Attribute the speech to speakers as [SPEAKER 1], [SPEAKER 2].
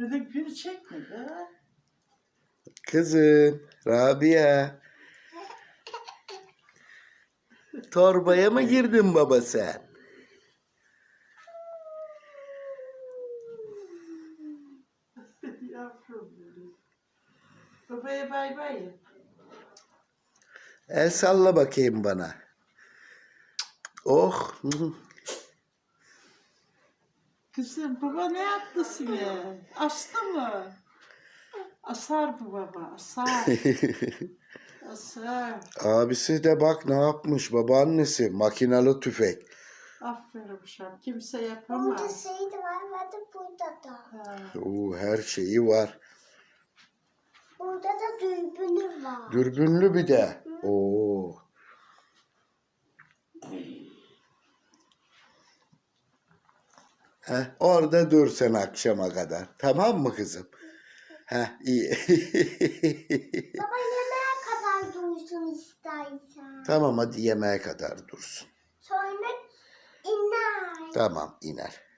[SPEAKER 1] Bir de gül çekme be.
[SPEAKER 2] Kızım, Rabia. Torbaya mı girdin baba sen?
[SPEAKER 1] Yavrum benim. Babaya bay bay yap.
[SPEAKER 2] El salla bakayım bana. Oh.
[SPEAKER 1] Kızım baba ne yaptı size? Astı mı? Asar bu baba, asar. Asar.
[SPEAKER 2] Abisi de bak ne yapmış babaannesi. Makinalı tüfek.
[SPEAKER 1] Aferin uşağım. Kimse
[SPEAKER 3] Burada
[SPEAKER 1] yapamaz.
[SPEAKER 3] şey de var ve de burada da.
[SPEAKER 1] Ha.
[SPEAKER 2] Oo, her şeyi var.
[SPEAKER 3] Burada da dürbünü var.
[SPEAKER 2] Dürbünlü bir de. Oo. Heh, orada dur sen akşama kadar. Tamam mı kızım? Heh, iyi.
[SPEAKER 3] Baba yemeğe kadar dursun istersen.
[SPEAKER 2] Tamam hadi yemeğe kadar dursun.
[SPEAKER 3] Sonra iner.
[SPEAKER 2] Tamam iner.